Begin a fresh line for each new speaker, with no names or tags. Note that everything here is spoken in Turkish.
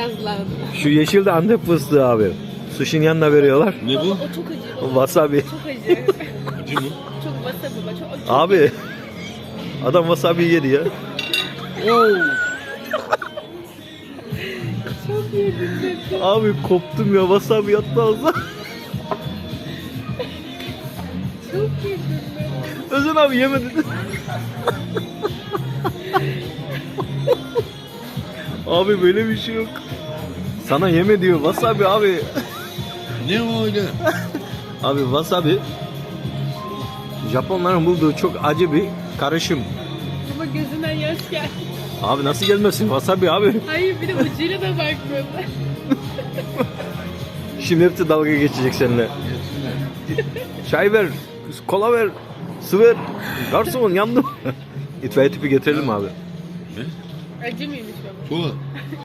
gazlandı.
Şu yeşil de Antep fıstığı abi. Sushi'nin yanına veriyorlar.
Ne bu?
O çok acı. Baba.
Wasabi.
Çok acı.
Acı mı?
Çok wasabi baba. Çok
Abi. Adam wasabi yedi ya.
Oo.
Çok yedim.
Abi koptum ya, wasabi yattı ağzına.
Çok yedim.
Özün abi yemedi. Abi böyle bir şey yok. Sana yeme diyor wasabi abi.
Ne o öyle?
Abi wasabi Japonların bulduğu çok acı bir karışım.
Ama gözünden yaş geldi.
Abi nasıl gelmesin wasabi abi.
Hayır bir de ucuyla da bakmıyorlar.
Şimdi hepsi dalga geçecek seninle. Çay ver, kola ver, su ver. Garson yandım. İtfaiye tipi getirelim abi.
Ne?
Acı mıymış baba?
Kola.